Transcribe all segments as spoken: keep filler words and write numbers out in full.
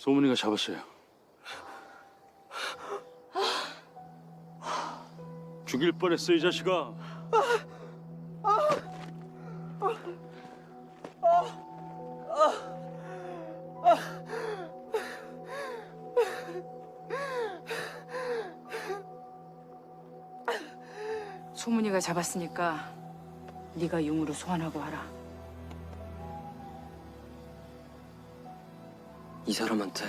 소문이가 잡았어요. 죽일 뻔했어, 이 자식아. 소문이가 잡았으니까 네가 용으로 소환하고 와라. 이 사람한테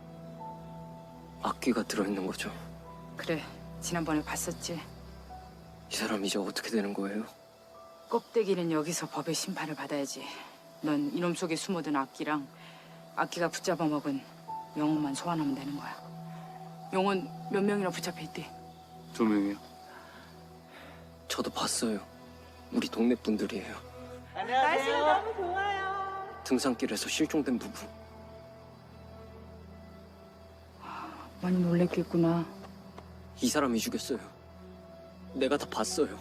악귀가 들어있는 거죠? 그래, 지난번에 봤었지. 이 사람 이제 어떻게 되는 거예요? 껍데기는 여기서 법의 심판을 받아야지. 넌 이놈 속에 숨어든 악기랑 악기가 붙잡아 먹은 영혼만 소환하면 되는 거야. 영혼 몇 명이나 붙잡혀 있대? 두 명이요. 저도 봤어요. 우리 동네 분들이에요. 날씨가 너무 좋아요. 등산길에서 실종된 부부. 많이 놀랬겠구나. 이 사람이 죽였어요. 내가 다 봤어요.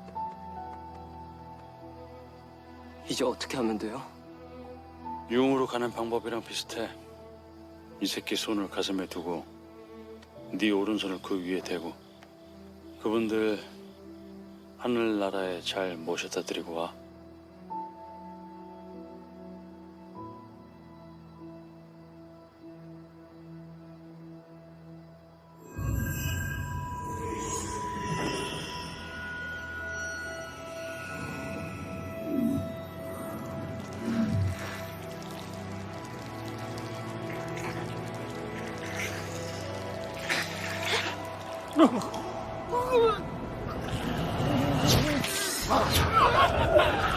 이제 어떻게 하면 돼요? 용으로 가는 방법이랑 비슷해. 이 새끼 손을 가슴에 두고 네 오른손을 그 위에 대고 그분들 하늘나라에 잘 모셔다 드리고 와. 아!